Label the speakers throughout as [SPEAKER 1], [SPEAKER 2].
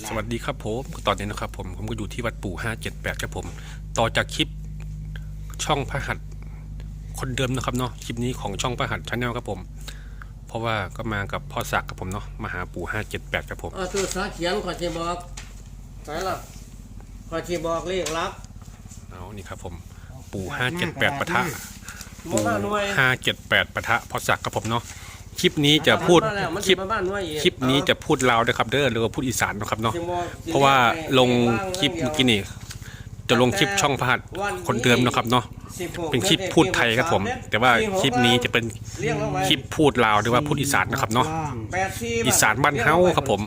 [SPEAKER 1] สวัสดีครับผมตอนนี้นะครับผมก็อยู่ที่วัดปู่578ครับผมต่อจากคลิปช่องพระหัตถ์คนเดิมนะครับเนาะคลิปนี้ของช่องพระหัตถ์ชาแนลครับผมเพราะว่าก็มากับพ่อศักดิ์ครับผมเนาะมาหาปู่578ครับผม
[SPEAKER 2] ตัวสาเขียนขอชีบอกใช่ละขอชีบอกเลขลับ
[SPEAKER 1] เอานี่ครับผมปู่578ปะทะปู่578ปะทะพ่อศักดิ์ครับผมเนาะคลิปนี้จะพูดคลิปนี้จะพูดลาวนะครับเด้อหรือว่าพูดอีสานนะครับเนาะเพราะว่าลงคลิปเมื่อกี้นี่จะลงคลิปช่องพระหัตถ์คนเดิมนะครับเนาะเป็นคลิปพูดไทยครับผมแต่ว่าคลิปนี้จะเป็นคลิปพูดลาวหรือว่าพูดอีสานนะครับเนาะอีสานบ้านเฮาครับผม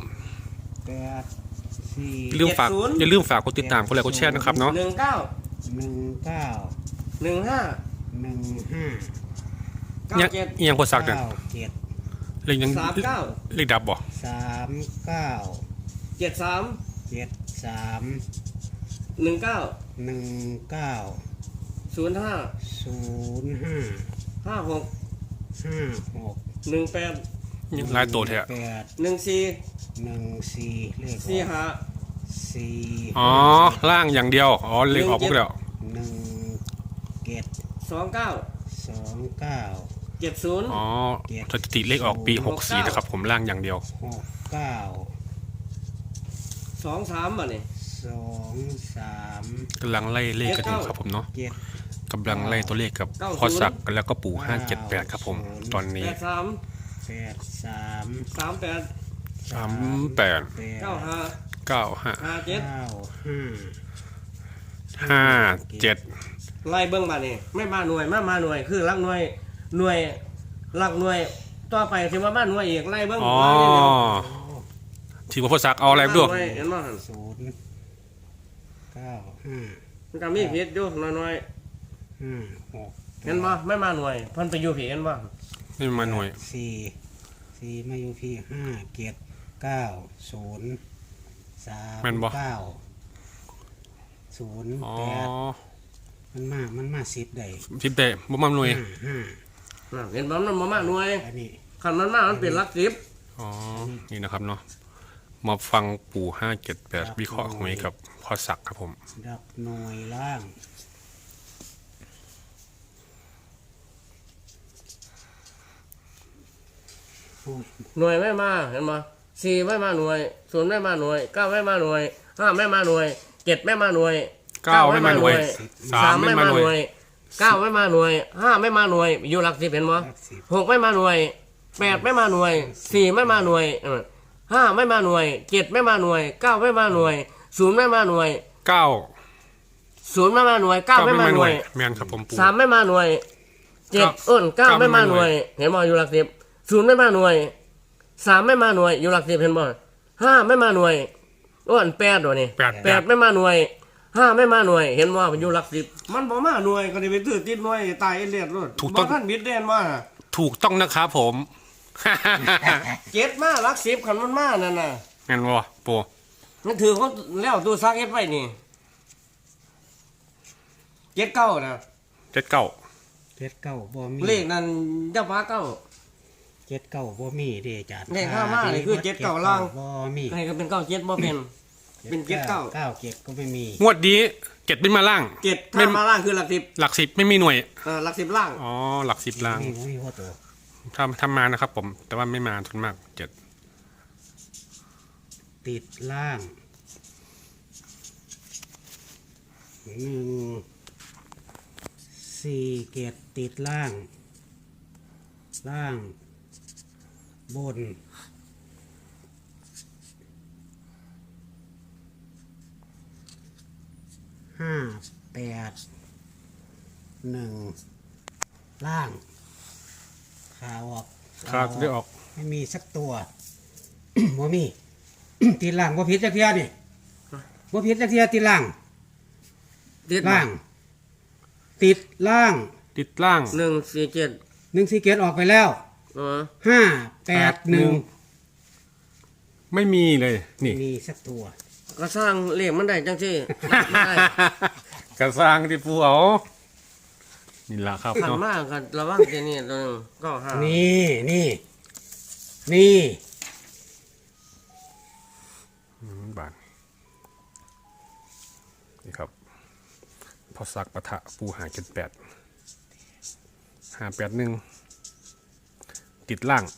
[SPEAKER 1] อย่าลืมฝากกดติดตามกดไลค์กดแชร์นะครับเนาะยังพอสักเนี่ยเลขยังเลขดับบ่ยังลายโตแท้อ๋อล่างอย่างเดียวอ๋อเลขออกพวกแล้วอ๋อสถิติเลขออกปี64นะครับผมล่างอย่างเดียว
[SPEAKER 2] 23บ่นี่
[SPEAKER 1] กำลังไล่เลขกันอยู่ครับผมเนาะกำลังไล่ตัวเลขกับพ่อศักดิ์แล้วก็ปู่578ครับผมตอนนี้
[SPEAKER 2] ไล่เบิ้งมานี่ไม่มาหน่วยมาหน่วยคือลักหน่วยลักหน่วยต่อไปถือว่ามาหน่วยอีกไล่เบิ้ง
[SPEAKER 1] ถือว่าพ่อศักดิ์เอาอะไรด้วย
[SPEAKER 2] เห็นบ่มันก็มีผิดอยู่น้อยเห็นบ่ไม่มาหน่วยเพิ่นไปอยู่ผิดเห็นบ่
[SPEAKER 1] ไม่มาหน่วย
[SPEAKER 3] 4มาอยู่พี่5 7 9 0 3 9 0 8มันมา10ได้
[SPEAKER 1] บ่มาหน่วย
[SPEAKER 2] เห็นบ่มันบ่มาหน่วยคันมันมามันเป็นหลัก10
[SPEAKER 1] อ๋อนี่นะครับเนาะมาฟังปู่578วิเคราะห์หวยกับพ่อศักดิ์ครับผม
[SPEAKER 3] ดับหน่วยล่าง
[SPEAKER 2] หน่วยไม่มาเห็นบ่4ไม่มาหน่วย0ไม่มาหน่วย9ไม่มาหน่วย5ไม่มาหน่วย7ไม่มาหน่วย
[SPEAKER 1] 9ไม่มาหน่วย3ไม่มาหน่วย
[SPEAKER 2] 9ไม่มาหน่วย5ไม่มาหน่วยอยู่หลัก10เห็นบ่6ไม่มาหน่วย8ไม่มาหน่วย4ไม่มาหน่วย5ไม่มาหน่วย7ไม่มาหน่วย9ไม่มาหน่วย0ไม่มาหน่วย0ไม่มาหน่วย9ไม่มาหน่วย
[SPEAKER 1] แม่นครับผมปู่
[SPEAKER 2] 3ไม่มาหน่วย7 9ไม่มาหน่วยเห็นบ่อยู่หลัก10 0ไม่มาหน่วย3ไม่มาหน่วยอยู่หลัก10เห็นบ่5ไม่มาหน่วย8ตัวนี่8ไม่มาหน่วย5ไม่มาหน่วยเห็นบ่อยู่หลัก10มันบ่มาหน่วยก็ได้ไปตื้อติดหน่วยตายเลียดรถบ่ทันบิดเด่นมา
[SPEAKER 1] ถูกต้องนะครับผม
[SPEAKER 2] 7มาหลัก10คันมันมานั่นน่ะ
[SPEAKER 1] แม่นบ่ปู่
[SPEAKER 2] มันถือเขาแล้วตู้ซักเฮ็ดไว้นี่79นะ
[SPEAKER 3] 79บ่มี
[SPEAKER 2] เลขนั้นจะพา9
[SPEAKER 3] 79บ่มีเด้อาจารย์
[SPEAKER 2] เลข5มานี่คือ79ล่าง
[SPEAKER 3] บ่มี
[SPEAKER 2] ให้ก็เป็น97บ่เป็น79
[SPEAKER 3] 97ก็ไม่มี
[SPEAKER 1] งวดนี้7ไม่มาล่าง
[SPEAKER 2] 7ถ้ามาล่างคือหลัก
[SPEAKER 1] 10ไม่มีหน่วย
[SPEAKER 2] หลัก10ล่าง
[SPEAKER 1] อ๋อหลัก10ล่าง
[SPEAKER 3] มีพ่อตัว
[SPEAKER 1] ทำมานะครับผมแต่ว่าไม่มาทุนมาก
[SPEAKER 3] 7ติดล่าง4 7ติดล่างบน5 8 1ล่างขาออก
[SPEAKER 1] ได้ออก
[SPEAKER 3] ไม่มีสักตัวบ่มีติดล่างบ่ผิดจักเที่ยนี่บ่ผิดจักเที่ยติดล่างติดล่าง147ออกไปแล้ว5 8 1
[SPEAKER 1] ไม่มีเลยนี่
[SPEAKER 3] มีสักตัว
[SPEAKER 2] ก็สร้างเลขมันได้จังซี่ไม่ได้
[SPEAKER 1] ก็สร้างที่ปู่เอานี่ล่ะครับ
[SPEAKER 2] เนาะมากกันระวังแค่นี้ตัวนึงก็5
[SPEAKER 3] นี่
[SPEAKER 1] บาทนี่ครับพอสักปะทะปู581ติดล่าง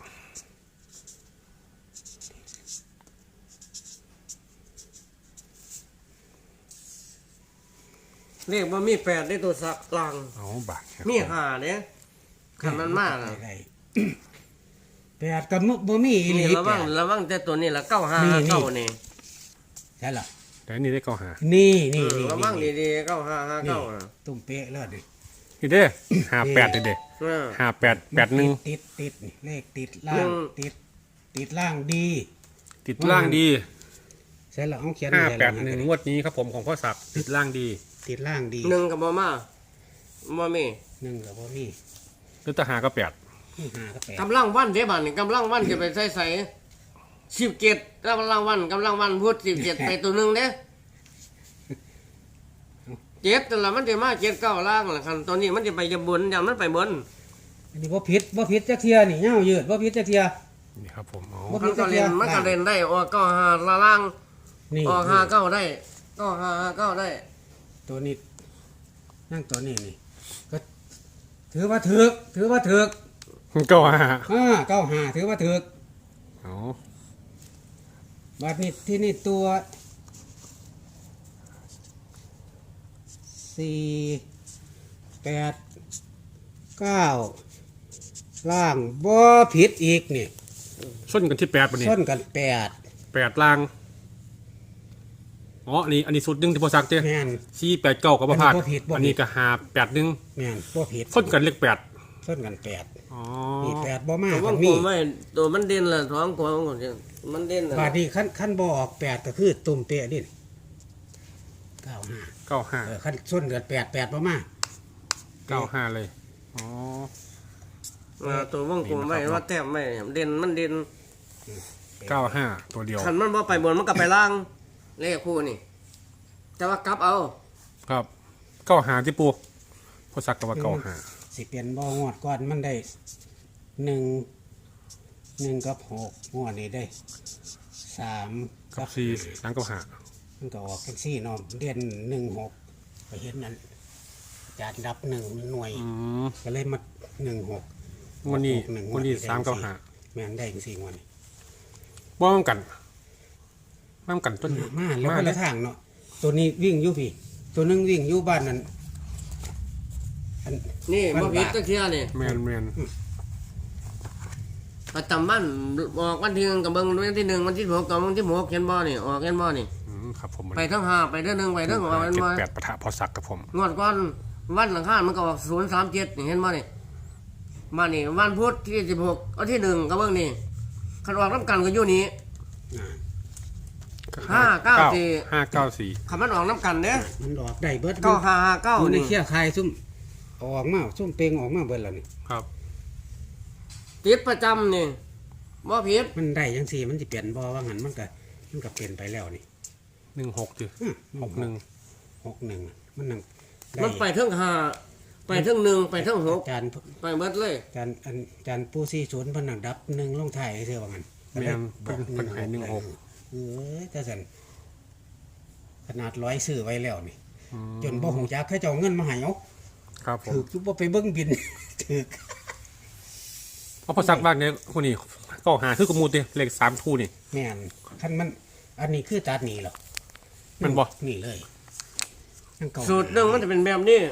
[SPEAKER 2] เรียกว่ามีแปดในตัวสักลาง
[SPEAKER 1] เอาบาทครับ
[SPEAKER 2] มีหาเนี่ยขันมันมากอะ
[SPEAKER 3] ได้แปดกับบ่มีอีหลี
[SPEAKER 2] นี่ระวัง
[SPEAKER 3] แปด
[SPEAKER 2] ระวังแต่ตัวนี้ละเก้าห้า
[SPEAKER 3] นี่
[SPEAKER 2] เก้านี่
[SPEAKER 3] ใช่ล่ะ
[SPEAKER 1] แต่อันนี่ได้เก้าหา
[SPEAKER 3] นี่นี่นี่
[SPEAKER 2] ระวังดีๆเก้าห้าห้า
[SPEAKER 3] นี่
[SPEAKER 2] เก้านะ
[SPEAKER 3] ตุ้มเป๊ะแล้วดิ
[SPEAKER 1] นี่เด้58เด้
[SPEAKER 2] เออ
[SPEAKER 1] 5881
[SPEAKER 3] ติดนี่เลขติดล่าง ติดล่างดี
[SPEAKER 1] ติดล่างดี
[SPEAKER 3] ใช่ล่ะเอาเขียน
[SPEAKER 1] 581งวดนี้ครับผมของพ่อศักดิ์ติดล่างดี
[SPEAKER 3] ติดล่างดี
[SPEAKER 2] หนึ่งกับบ่มาบ่มี
[SPEAKER 3] หนึ่งกับบ่มี
[SPEAKER 1] หรือตะหาก็8
[SPEAKER 3] ห้ากับแปด
[SPEAKER 2] กำลังวันเด้บัดนี่กำลังวันจะไปใส่17กำลังวันพูด17ไปตัวหนึงเด้เจ็ดแต่ละมันจะมาเจ็ดเก้าล่างล่ะคันตัวนี้มันจะไปจะบนอย่างมันไปบน
[SPEAKER 3] อันนี้บ่ผิดจักเทียนี่เงายืดบ่ผิดจักเทีย
[SPEAKER 1] นี่ครับผมเอา
[SPEAKER 3] บ่
[SPEAKER 2] มันก็เล่นมันก็เล่นได้ออกเก้าห้าล่าง
[SPEAKER 3] นี่
[SPEAKER 2] ออกห้าเก้าได้เก้าห้าห้าเก้าได้
[SPEAKER 3] ตัวนี้นั่งตัวนี้นี่ก็ถือว่าถึก
[SPEAKER 1] 95
[SPEAKER 3] เก้าหาถือว่าถึก
[SPEAKER 1] เอา
[SPEAKER 3] บัดนี้ที่นี่ตัว4 8 9ล่างบ่ผิดอีกนี่
[SPEAKER 1] ส้นกันที่8บัดนี้
[SPEAKER 3] ส้นกัน
[SPEAKER 1] 8ล่างอ๋ออันนี้สุดหนึงที่พ่อศักดิ์เด้
[SPEAKER 3] 8แม่น
[SPEAKER 1] 489ก็บ่พลาด
[SPEAKER 3] อันนี้บ่ผิดบ่ผิด
[SPEAKER 1] อันนี้ก็581
[SPEAKER 3] แม่นบ่ผิด
[SPEAKER 1] ส้นกันเลข8
[SPEAKER 3] ส้นกัน8
[SPEAKER 1] อ๋อ
[SPEAKER 3] นี่8บ่มา
[SPEAKER 2] ตัว
[SPEAKER 3] กั
[SPEAKER 2] ว่าน ง
[SPEAKER 3] มี
[SPEAKER 2] กูไม่ตัวมันเด่นละท้องตัวของมันเด่นละ
[SPEAKER 3] บาดนี้ขั้นบ่ออก8ก็คือตุ่มเปะนี่95
[SPEAKER 1] 95
[SPEAKER 3] ขั้นส้นกัน8บ่มา
[SPEAKER 1] 95เลยอ๋อ
[SPEAKER 2] ตัวว่างกูไม่ว่าแต้มไม่เด่นมันเด่น
[SPEAKER 1] 95ตัวเดียว
[SPEAKER 2] ขันมันบ่ไปบนมันก็ไปล่างเลขคู่นี่แต่ว่ากลับเอา
[SPEAKER 1] ครับ95ที่ปูพ่อศักดิ์ก็ว่า95
[SPEAKER 3] สิเปลี่ยนบ่งวดก่อนมันได้1กับ6งวดนี้ได้3
[SPEAKER 1] กับ4หลังกับ5
[SPEAKER 3] มันก็ออกจังซี่เนาะเดือน16ไปเห็นนั้นอาจารย์รับ1หน่วย
[SPEAKER 1] อืม
[SPEAKER 3] ก็เลยมา16
[SPEAKER 1] วันนี้
[SPEAKER 3] 61
[SPEAKER 1] วันนี้3กับ
[SPEAKER 3] แม่นได้จังซี่งวดนี้
[SPEAKER 1] 5บ่มันกันต้น
[SPEAKER 3] มาแล้วคนละทางเนาะตัวนี้วิ่งอยู่พี่ ตัวนึงวิ่งอยู่บ้านนั้นอัน
[SPEAKER 2] นี่
[SPEAKER 3] มัน
[SPEAKER 2] บ่ผิด
[SPEAKER 3] บาท
[SPEAKER 2] ตะเคียนี่
[SPEAKER 1] แม่น
[SPEAKER 2] ประจำบ้านบอกวันที่หนึ่งกับเบิ่งวันที่หนึ่งวันที่หกกับวันที่หกเห็นบ่นี่ออกเห็นบ่นี่
[SPEAKER 1] ครับผม
[SPEAKER 2] ไปทั้งห้าไปเด้อหนึ่งไปเด้อออกเห็นบ่
[SPEAKER 1] 78ปะทะพอศักดิ์กับผม
[SPEAKER 2] งวดก่อนวันหลังข้านมันก็ออก037นี่เห็นบ่นี่มานี่วันพุธที่16เอาที่หนึ่งกับเบิ่งนี่คันออกน้ำกันก็อยู่นี่ 594 คันมันออกน้ำกันเด้อ
[SPEAKER 3] มันออกได้เบิด
[SPEAKER 2] 9559
[SPEAKER 3] อยู่ใน
[SPEAKER 2] นี่
[SPEAKER 3] เขี้ยคายซุ่มออกมาซุ่มเปลงออกมาเบิดแล้วนี่
[SPEAKER 1] ครับ
[SPEAKER 2] ติดประจำนี่บ่ผิด
[SPEAKER 3] มันได้จังซี่มันสิเปลี่ยนบ่ว่างั้นมันก็เปลี่ยนไปแล้วนี่
[SPEAKER 1] 16จิ 61
[SPEAKER 3] 61มันนั่งได้
[SPEAKER 2] มันไปทั้งห้าไปทั้งหนึ่งไปทั้งหก
[SPEAKER 3] จาน
[SPEAKER 2] ไปเบิดเลย
[SPEAKER 3] จานปู40เพิ่นนั่งดับ1ลงท้ายซื่อว่างั้นก็เลย
[SPEAKER 1] แม่นเพิ่นให้16
[SPEAKER 3] เออแต่ซั่นขนาด100ซื้อไว้แล้วนี่จนบ่ฮู้จักเขาเจ้าเอาเงินมาให้เอา
[SPEAKER 1] ครับผม
[SPEAKER 3] ถูกจุบไปเบิ้งบิน ถูก
[SPEAKER 1] เพราะพอศักดิ์บ้านเนี่ยคนนี้95คือกบหมูติเลข3คู่นี่
[SPEAKER 3] แม่นคันมัน อันนี้คือตัดหนีหรอ
[SPEAKER 1] มันบ่
[SPEAKER 3] นี่เลยนั่นเก่า
[SPEAKER 2] สูตรหนึ่งมันจะเป็นแบบนี้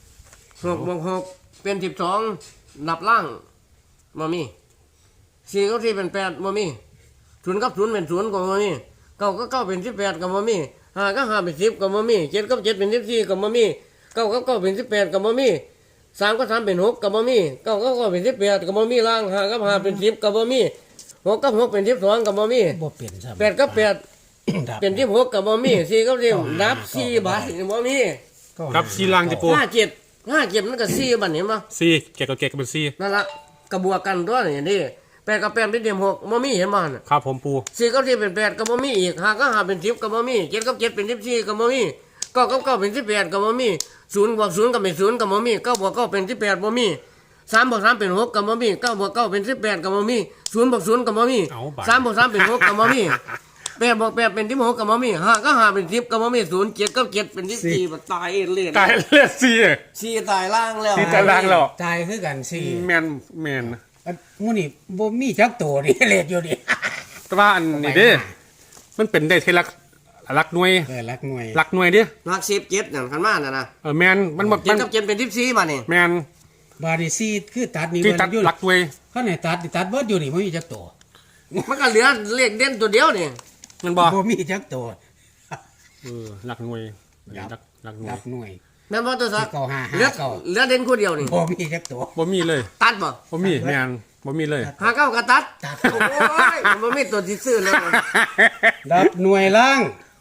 [SPEAKER 2] 6 เป็น12นับล่างบ่มี4กับ4เป็น8บ่มี0กับ0เป็น0ก็บ่มี9กับ9เป็น18ก็บ่มี5กับ5เป็น10ก็บ่มี7กับ7เป็น14ก็บ่มี9กับ9เป็น18ก็บ่มี3กับ3เป็น6ก็บ่มี9กับ9เป็น18ก็บ่มีล่าง5กับ5เป็น10ก็บ่มี6กับ6เป็น12ก็บ่มี
[SPEAKER 3] บ่เปลี่ยนซ้ำ
[SPEAKER 2] 8กับ8
[SPEAKER 3] ดับ
[SPEAKER 2] เป็น16ก็บ่มี4กับ10นับ4บาทบ่มี
[SPEAKER 1] ครับ4ล่างจิปู
[SPEAKER 2] 57มันก็4บัดเห็นบ่
[SPEAKER 1] 4เก็บกับเก็บเป็น4
[SPEAKER 2] นั่นละกระบวกกันตัวนี่นี่8กับ8เป็น16บ่มีเห็นบ่น่ะ
[SPEAKER 1] ครับผมปู
[SPEAKER 2] 4กับ4เป็น8ก็บ่มีอีก5กับ5เป็น10ก็บ่มี7กับ7เป็น14ก็บ่มี9กับ9เป็น18ก็บ่มี0บวก0ก็เป็น0ก็บ่มี9บวก9เป็น18บ่มี3บวก3เป็น6ก็บ่มี9บวก9เป็น18ก็บ่มี0บวก0ก็บ่มี3บวก3เป็น6ก็บ่มี5 8บวก8เป็น16ก็บ่มี5ก็5เป็น10ก็บ่มี0 7ก็7เป็น14บ่ตายเลย
[SPEAKER 1] ตายเลือดซี
[SPEAKER 2] สี่ตายล่างแล้ว
[SPEAKER 1] ซีตารางแล้ว
[SPEAKER 3] ตายคือกันสี่
[SPEAKER 1] แมน
[SPEAKER 3] อันหมูนี่บ่มีจักโตนี่ เลดอยู่นี่
[SPEAKER 1] แต่ว่าอันนี้เด้มันเป็นได้ที่รักหน่วย
[SPEAKER 3] รักหน่วย
[SPEAKER 1] รักหน่วยเด้
[SPEAKER 2] รัก17นั่นคันมาน่ะนะ
[SPEAKER 1] แมนมันบ่
[SPEAKER 2] 7กับ7เป็น14มานี่
[SPEAKER 1] แมน
[SPEAKER 3] บาดนี่สี่คือตัดนี่
[SPEAKER 1] ที่ตัด
[SPEAKER 3] อยู่
[SPEAKER 1] รักหน่วย
[SPEAKER 3] เขาไหนตัดเบิดอยู่นี่บ่มีจักโต
[SPEAKER 2] มันก็เหลือเลขเด่นตัวเดียวนี่
[SPEAKER 1] มันบ่
[SPEAKER 3] บ่มีจักโต
[SPEAKER 1] รักหน่วย
[SPEAKER 3] ครับ
[SPEAKER 1] รักหน่ว
[SPEAKER 3] รั
[SPEAKER 1] ย
[SPEAKER 3] กหน่วย
[SPEAKER 2] แม่นบ่ตัวซัก
[SPEAKER 3] เก้าห้า
[SPEAKER 2] เหลือ
[SPEAKER 3] เก้า
[SPEAKER 2] เหลือเด่นคู่เดียวนี่
[SPEAKER 3] บ่มีจักโต
[SPEAKER 1] บ่มีเลย
[SPEAKER 2] ตัดบ่
[SPEAKER 1] บ่มีแมนบ่มีเลย
[SPEAKER 2] หาเก้าก็ตัด
[SPEAKER 3] ตัด
[SPEAKER 2] โอ้ยมันบ่มีตัวที่ซื้อแล้ว
[SPEAKER 3] ดับหน่วยล่าง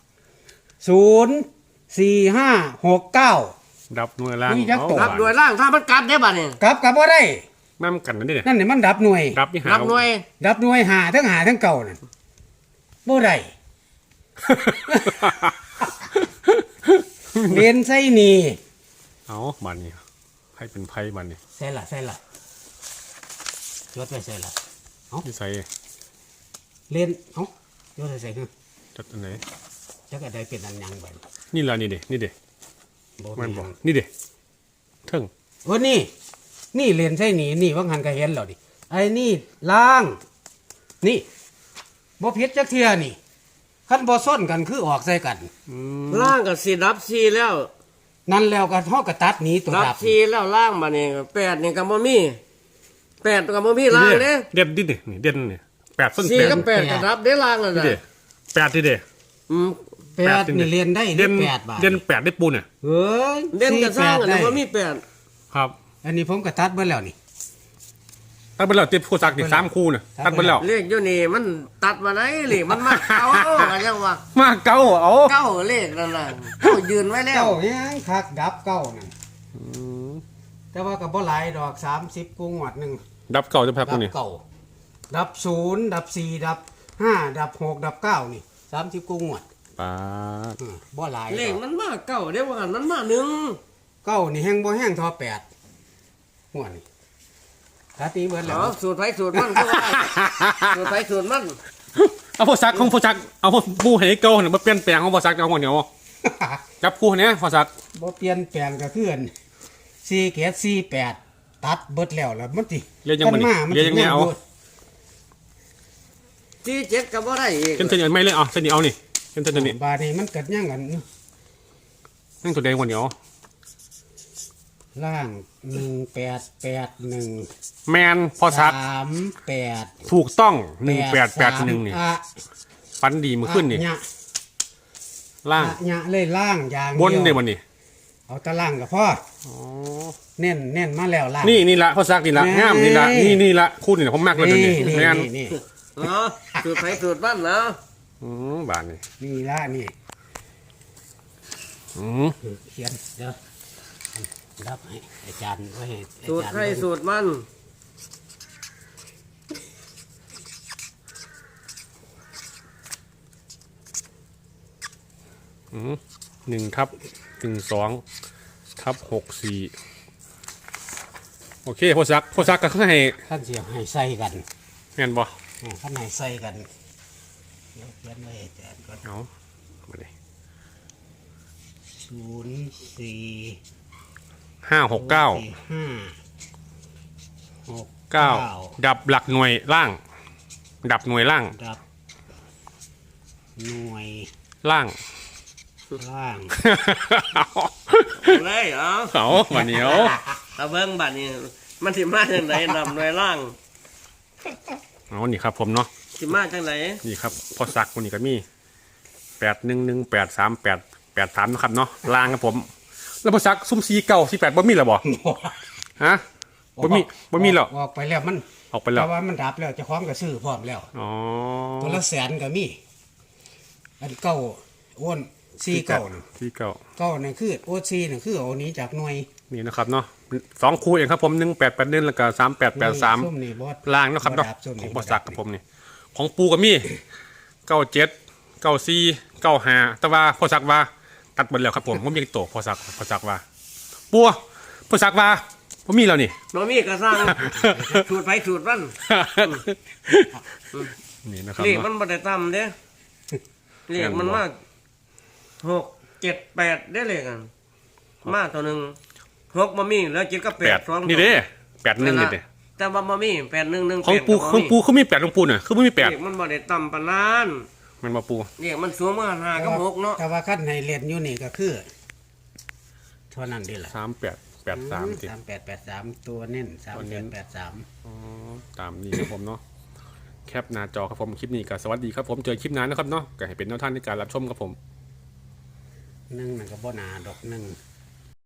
[SPEAKER 3] 0 4 5 6 9
[SPEAKER 1] ดับหน่วยล่าง
[SPEAKER 3] มีจักตัว
[SPEAKER 2] รับด้วยล่างถ้ามันกลับได้บ่นี่
[SPEAKER 3] กลับบ่ได้
[SPEAKER 1] น้ำกันนั่นดิ
[SPEAKER 3] นั่นนี่มันดับหน่วย
[SPEAKER 1] ดับนี่หา
[SPEAKER 2] รับหน่วย
[SPEAKER 3] ดับหน่วยหาทั้งเก่านั่นบ่ได้ เรียนไส้นี่
[SPEAKER 1] เอาบันนี้ให้เป็นไพ่บันนี้
[SPEAKER 3] ใส่ละยศไปใส่ละ
[SPEAKER 1] ที่ใส่
[SPEAKER 3] เรียนเอ้ายศใส่คือ
[SPEAKER 1] จัดอันไหน
[SPEAKER 3] จักอะไรเป็นอันยังไป
[SPEAKER 1] นี่ละนี่เด้นี่เด้
[SPEAKER 3] บ่
[SPEAKER 1] มัน
[SPEAKER 3] มี
[SPEAKER 1] บอกนี่เด้เทิง
[SPEAKER 3] โอ้นี่เรียนไส้นี่นี่ว่างันก็เห็นแล้วดิไอ้นี่ล่าง นี่บ่ผิดจักเทื่อนี่คันบ่ซ้นกันคือออกใส่กัน
[SPEAKER 2] ล่างก็สิรับ4แล้ว
[SPEAKER 3] นั่นแล้วก็เฮาก็ตัดหนีตัว
[SPEAKER 2] รับ
[SPEAKER 3] ดับ
[SPEAKER 2] 4แล้วล่างมานี่8นี่ก็บ่มี8ก็บ่มีล่างเด้
[SPEAKER 1] เด่นดินี่เด่นนี่8ส้น
[SPEAKER 2] 4กับ8ก็รับได้ล่างแล้ว
[SPEAKER 1] นี่
[SPEAKER 2] นะ
[SPEAKER 1] เด้8นี่เด้
[SPEAKER 2] อืม
[SPEAKER 3] แปดนี่เรียนได้
[SPEAKER 1] เด่น
[SPEAKER 3] 8 บาท
[SPEAKER 1] เด่น8ได้ปูเนี่ย
[SPEAKER 3] เฮ้ย
[SPEAKER 2] เด่นก็สร้างอัน
[SPEAKER 3] ได้
[SPEAKER 2] นี้บ่มี8
[SPEAKER 1] ครับ
[SPEAKER 3] อันนี้ผมก็ตัดเบิดแล้วนี่
[SPEAKER 1] ตัดไปแล้วติดผู้ซักนี่3คู่น่ะตัดไปแล้ว
[SPEAKER 2] เลขอยู่นี่มันตัดมาได้เลขมันมาเอาก็ยังว่า
[SPEAKER 1] มาเก้าเอา
[SPEAKER 2] เก้าเลขนั่นน่ะเก้ายืนไว้แล้ว
[SPEAKER 3] เก้ายังคักดับเก้านั่นแต่ว่าก็บ่หลายดอก30กูงวดหนึง
[SPEAKER 1] ดับเก้าจะพัก
[SPEAKER 3] ดับ
[SPEAKER 1] นี่
[SPEAKER 3] เก้าดับ0ดับ4ดับ5ดับ6ดับ9นี่30กูงวด
[SPEAKER 1] ปาด
[SPEAKER 3] บ่หลาย
[SPEAKER 2] เลข
[SPEAKER 3] ดอก
[SPEAKER 2] มันมาเก้าเดี๋ยวว่ากันมันมาหนึ่ง
[SPEAKER 3] เก้านี่แห้งบ่แห้งทอ8งวดนี่ตัดนี้เบิดแล้ว
[SPEAKER 2] เอาสูตรไผสูตรมันก็ว่าสูตรไผสูตรมัน
[SPEAKER 1] เอาผู้ซักของผู้ซักเอาปูให้เก่าเนี่ยมาเปลี่ยนแปลงของผู้ซักเอาหัวเหนียวจับคู่เนี้ยผู้ซัก
[SPEAKER 3] บ่เปลี่ยนแปลงก็คืออัน4เกต48ตัดเบิดแล้วแล้วมันสิ
[SPEAKER 1] เรียกยังบ่นี่
[SPEAKER 3] มัน
[SPEAKER 1] เรียกยังไงเอา
[SPEAKER 2] ที่เจ็ดก็บ่ได้อีก
[SPEAKER 1] เส้นเส้นไม่เลยเอาเส้นนี้เอานี่เส้นเส้นนี้
[SPEAKER 3] บาดนี้มันเกิดยังกัน
[SPEAKER 1] นั่งตัวแดงหัวเหนียว
[SPEAKER 3] ล่าง1881
[SPEAKER 1] แมนพอซัก
[SPEAKER 3] 38
[SPEAKER 1] ถูกต้อง1881นี่
[SPEAKER 3] อ่ะ
[SPEAKER 1] ฟันดีมือขึ้นนี่
[SPEAKER 3] อ่ะ
[SPEAKER 1] ล่าง
[SPEAKER 3] อ่ะเลยล่างอย่าง
[SPEAKER 1] บน
[SPEAKER 3] เดี
[SPEAKER 1] เดี๋
[SPEAKER 3] ย
[SPEAKER 1] ยว วมันนี่
[SPEAKER 3] เอาแตะล่างก็พอเน้นมาแล้วล่าง
[SPEAKER 1] นี่ละพอซักนี่ละ
[SPEAKER 3] นี่
[SPEAKER 1] งามนี่ละนี่ละคู่นี่ละผมมากเลยตัวนี้แมน
[SPEAKER 3] นี่
[SPEAKER 2] เนาะสูตรไผสูตรมันนะ
[SPEAKER 1] บานนี่
[SPEAKER 3] นี่ละนี่ เขียนเดี๋ยวรับให้อาจารย์ไว้ให้อา
[SPEAKER 2] สูตร
[SPEAKER 3] จารย์
[SPEAKER 2] ไผสูตรมัน
[SPEAKER 1] 1/12/64โอเคพอซักก็ให้
[SPEAKER 3] ท่านเสียให้ใส่กัน
[SPEAKER 1] แมนบ่
[SPEAKER 3] ท่านให้ใส่กันเดี๋ยวเขียนไว้ให้อาจารย์ก่อน
[SPEAKER 1] เอามาเลย
[SPEAKER 3] 04
[SPEAKER 1] 569 9ดับหลักหน่วยล่าง ดับหน่วยล่าง
[SPEAKER 3] ดับหน่วย
[SPEAKER 1] ล่าง
[SPEAKER 3] ล่าง
[SPEAKER 2] เลยเอา
[SPEAKER 1] เอาวันนี้เอา
[SPEAKER 2] เอาเบิ่งบัดนี้มันสิมาจังไดนำหน่วยล่าง
[SPEAKER 1] เอานี่ครับผมเนาะ
[SPEAKER 2] สิมาจังได
[SPEAKER 1] นี่ครับพอซักวันนี้ก็มี811838883นะครับเนาะล่างครับผม แล้วพอซักซุ่ม4948บ่มีแล้วบ่ฮะบ่มีแล้ว
[SPEAKER 3] ออกไปแล้วมัน
[SPEAKER 1] ออกไปแล้ว
[SPEAKER 3] แต่ว่ามันดับแล้วเจะคล้าของก็ซื้อพร้อมแล้ว
[SPEAKER 1] อ๋อ
[SPEAKER 3] ตัวละแสนก็มีอันเก้าอ้วนซีเก้าน่ะ
[SPEAKER 1] ที่เก้า
[SPEAKER 3] เก้านี่คือโอซีนี่คือเอานี้จากหน่วย
[SPEAKER 1] นี่นะครับเนาะ2คู่เองครับผม1881แล้วก็3883
[SPEAKER 3] ส้มนี่บอส
[SPEAKER 1] ล่างเนาะครับเนาะ
[SPEAKER 3] ส้ม
[SPEAKER 1] ข
[SPEAKER 3] นี่
[SPEAKER 1] องบอสักกับผมนี่ของปูกับมี่97 94 95แต่ว่าพอสักว่าตัดหมดแล้วครับผมผมยังโตพอสักว่าปัวพอสักว่าผมมีแล้วนี่
[SPEAKER 2] บ่มีก็สร้างสูตรไผสูตรมัน
[SPEAKER 1] นี่นะครับ
[SPEAKER 2] เลขมั
[SPEAKER 1] เนาะ
[SPEAKER 2] นบ่ได้ต่ำเด้เลขมันมา6 7 8ได้เลขกันมาตัวหนึ่ง6บ่มีแล้ว7กับ
[SPEAKER 1] แปด
[SPEAKER 2] 8 2
[SPEAKER 1] นี่เด้81นี่เด้
[SPEAKER 2] แต่ว่าบ่มี8 1 1
[SPEAKER 1] ของปูเขามี8ของปูน่ะคือบ่มี
[SPEAKER 2] เลขมันบ่ได้ต่ำปานนั้น
[SPEAKER 1] 8มันมาปู
[SPEAKER 2] เลขมันสูงมา5กับ6เนาะ
[SPEAKER 3] แต่ว่าคันให้เล่นอยู่นี่ก็คือเท่านั้นเดีล่ะ
[SPEAKER 1] 3883สิ
[SPEAKER 3] 3883ตัวเน้น3883
[SPEAKER 1] อ๋อตามนี้ครับผมเนาะแคปหน้าจอครับผมคลิปนี้ก็สวัสดีครับผมเจอคลิปหน้านะครับเนาะก็ให้เป็นแนวทางในการรับชมครับผม
[SPEAKER 3] 1นั่นก็บ่หนาดอก1